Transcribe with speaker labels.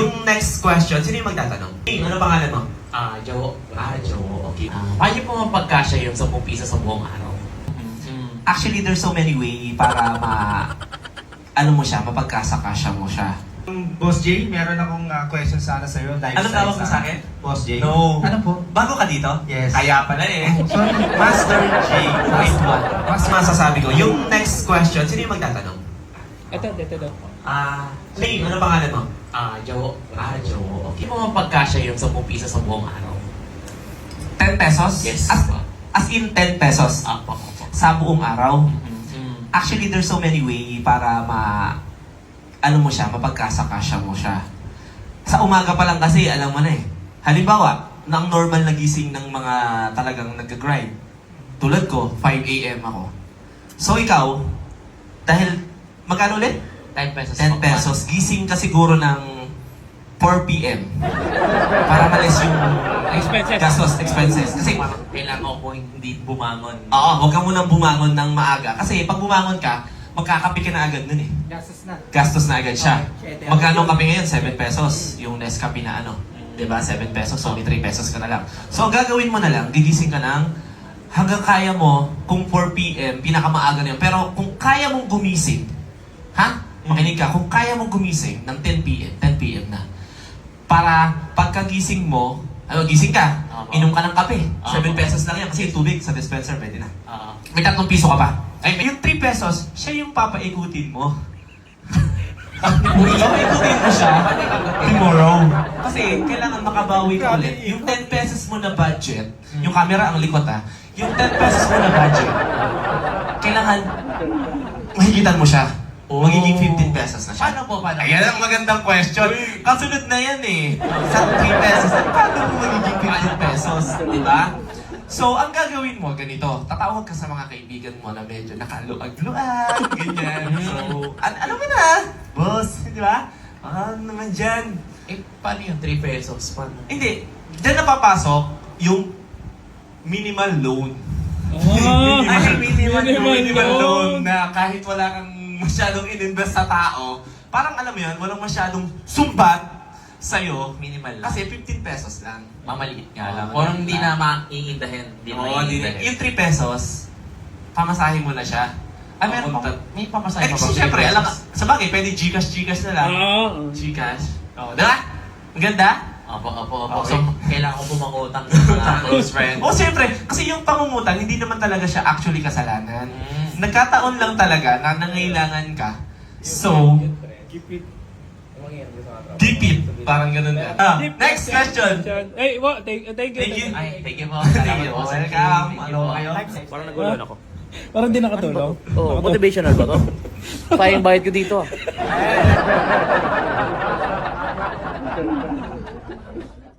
Speaker 1: Yung next question, sino yung magtatanong? Hey, ano pangalan mo?
Speaker 2: Jowo.
Speaker 1: Joe. Okay.
Speaker 2: Paano niyo po mapagkasya yung 10 piso sa buong araw?
Speaker 1: Actually, there's so many way para mapagkasakasya mo siya.
Speaker 3: Boss J, meron akong question sana sa'yo.
Speaker 1: Anong tawag mo sa akin?
Speaker 3: Boss J?
Speaker 1: No.
Speaker 3: Ano po?
Speaker 1: Bago ka dito?
Speaker 3: Yes.
Speaker 1: Kaya pala eh.
Speaker 3: Sorry.
Speaker 1: Master J. Wait, what? Mas masasabi ko. Yung next question, sino yung magtatanong?
Speaker 4: Ito daw.
Speaker 1: Hey, ano pangalan mo?
Speaker 2: Jowo.
Speaker 1: Joe. Okay.
Speaker 2: Paano mo mapagkasya yung 10 piso sa buong araw?
Speaker 1: 10 pesos?
Speaker 2: Yes.
Speaker 1: As in 10 pesos?
Speaker 2: Opo.
Speaker 1: Sa buong araw? Actually, there's so many way para mapagkasakasya mo siya. Sa umaga pa lang kasi, alam mo na eh. Halimbawa, ng normal na gising ng mga talagang nag-grind. Tulad ko, 5 a.m. ako. So ikaw, dahil, magkano ulit?
Speaker 2: 10 pesos.
Speaker 1: 10 pesos. Gising ka siguro ng 4 p.m. Para malis yung expenses. Kasi,
Speaker 2: Parang kailangan ko hindi bumangon.
Speaker 1: oo, huwag ka munang bumangon ng maaga. Kasi pag bumangon ka, magkakape ka na agad nun eh. Gastos na agad siya. Magkano kape ngayon? 7 pesos. Yung Nescafe na ano. Diba? 7 pesos. So, may 3 pesos ka na lang. So, ang gagawin mo na lang, gigising ka ng hanggang kaya mo, kung 4 p.m., pinakamaaga na yun. Pero kung kaya mong gumising, makinig ka, kung kaya mong gumising ng 10 p.m. na, para pagkagising mo, gising ka, inom ka ng kape. 7 pesos lang yan. Kasi yung tubig sa dispenser, pwede na. May 3 piso ka pa. Ay, yung 3 pesos, siya yung papaikutin mo. Papaikutin mo siya tomorrow. Kasi kailangan makabawi ka ulit. Yung 10 pesos mo na budget, yung camera ang likot yung 10 pesos mo na budget, kailangan mahigitan mo siya. Magiging 15 pesos na siya.
Speaker 2: Paano po?
Speaker 1: Ayan ang magandang question. Kasunod na yan eh. Sa 3 pesos, paano mo magiging 15 pesos? Diba? So, ang gagawin mo, ganito. Tatawag ka sa mga kaibigan mo na medyo nakaluag-luag, ganyan. So, alam mo na, boss, di ba? Naman dyan.
Speaker 2: Paano yung 3 pesos? Paano?
Speaker 1: Hindi. Diyan napapasok yung minimal loan. Minimal loan na kahit wala kang masyadong in-invest sa tao, parang alam mo yun, walang masyadong sumbat sa'yo.
Speaker 2: Minimal lang.
Speaker 1: Kasi 15 pesos lang.
Speaker 2: Mamaliit nga lang.
Speaker 1: Oo,
Speaker 2: Kung hindi na maiindahin.
Speaker 1: Yung 3 pesos, pamasahin mo na siya. Meron pa.
Speaker 2: May pamasahe pa
Speaker 1: Kasi syempre, alam ka, sa bagay, pwede Gcash na lang. Gcash. Diba? Ang ganda?
Speaker 2: Opo.
Speaker 1: Okay.
Speaker 2: So, kailangan ko pumangutang sa mga close friend.
Speaker 1: Siyempre, kasi yung pangungutang, hindi naman talaga siya actually kasalanan. Nagkataon lang talaga na nangailangan ka. So, deep it. Parang ganun na. Next question.
Speaker 4: Hey, thank you.
Speaker 2: Ay, thank you po.
Speaker 1: Thank you. Welcome. Ano kayo?
Speaker 5: Parang nagulan ako.
Speaker 4: Parang di nakatulong.
Speaker 5: Oh, motivational ba to? Payang bayad ko dito ah.